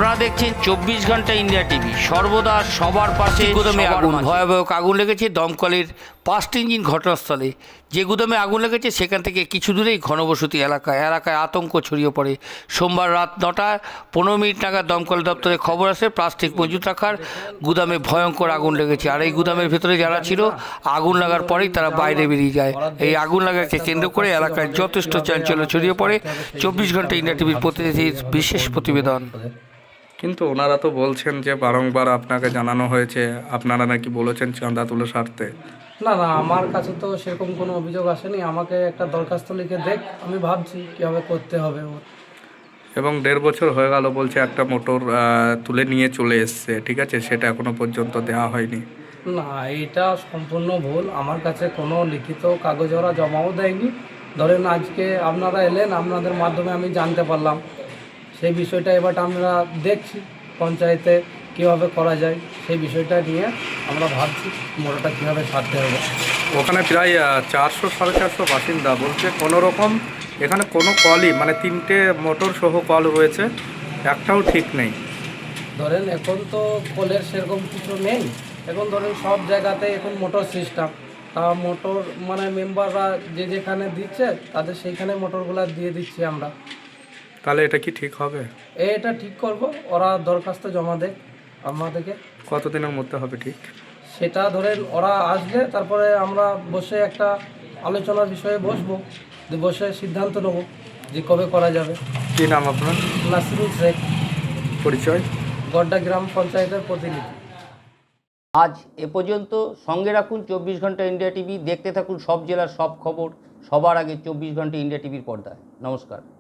আপনারা দেখছেন 24 ঘন্টা ইন্ডিয়া টিভি, সর্বদা সবার পাশে। গুদামে আগুন, ভয়াবহ আগুন লেগেছে দমকলের 5টি ইঞ্জিন ঘটনাস্থলে। যে গুদামে আগুন লেগেছে সেখান থেকে কিছু দূরেই ঘনবসতি এলাকায় আতঙ্ক ছড়িয়ে পড়ে। সোমবার রাত 9:15 নাগাদ দমকল দপ্তরে খবর আসে প্লাস্টিক মজুত রাখার গুদামে ভয়ঙ্কর আগুন লেগেছে। আর এই গুদামের ভেতরে যারা ছিল, আগুন লাগার পরেই তারা বাইরে বেরিয়ে যায়। এই আগুন লাগাকে কেন্দ্র করে এলাকায় যথেষ্ট চাঞ্চল্য ছড়িয়ে পড়ে। 24 ঘন্টা ইন্ডিয়া টিভির প্রতিনিধির বিশেষ প্রতিবেদন। কিন্তু ওনারা তো বলছেন যে বারংবার আপনাকে জানানো হয়েছে, আপনারা নাকি বলেছেন চাঁদা তুলে সারতে। না না, আমার কাছে তো সেরকম কোনো অভিযোগ আসেনি। আমাকে একটা দরখাস্ত লিখে দেখ, আমি ভাবছি কীভাবে করতে হবে ওর। এবং 1.5 বছর হয়ে গেল বলছে একটা মোটর তুলে নিয়ে চলে এসছে, ঠিক আছে, সেটা এখনো পর্যন্ত দেওয়া হয়নি। না, এটা সম্পূর্ণ ভুল। আমার কাছে কোনো লিখিত কাগজ ওরা জমাও দেয়নি। ধরেন আজকে আপনারা এলেন, আপনাদের মাধ্যমে আমি জানতে পারলাম। সেই বিষয়টা এবার আমরা দেখছি পঞ্চায়েতে কীভাবে করা যায়, সেই বিষয়টা নিয়ে আমরা ভাবছি মোটরটা কীভাবে সারতে হবে। ওখানে প্রায় 400-450 বাসিন্দা বলছে কোনো রকম এখানে কোনো কলই, মানে 3টে মোটর সহ কল রয়েছে, একটাও ঠিক নেই। ধরেন এখন তো কলের সেরকম কিছু নেই। এখন ধরেন সব জায়গাতে এখন মোটর সিস্টেম, তা মোটর মানে মেম্বাররা যে যেখানে দিচ্ছে তাদের সেইখানে মোটরগুলো দিয়ে দিচ্ছি আমরা। তাহলে এটা কি ঠিক হবে? এটা ঠিক করব, ওরা দরখাস্ত জমা দেয় আমাদেরকে। কতদিনের মধ্যে হবে ঠিক? সেটা ধরেন ওরা আসলে তারপরে আমরা বসে একটা আলোচনার বিষয়ে বসবো, বসে সিদ্ধান্ত নেব যে কবে করা যাবে। কী নাম আপনার? নাসিরুল শেখ, পরিচয়? গড্ডা গ্রাম পঞ্চায়েতের প্রতিনিধি। আজ এ পর্যন্ত। সঙ্গে রাখুন 24 ঘন্টা ইন্ডিয়া টিভি। দেখতে থাকুন সব জেলার সব খবর সবার আগে 24 ঘন্টা ইন্ডিয়া টিভির পর্দায়। নমস্কার।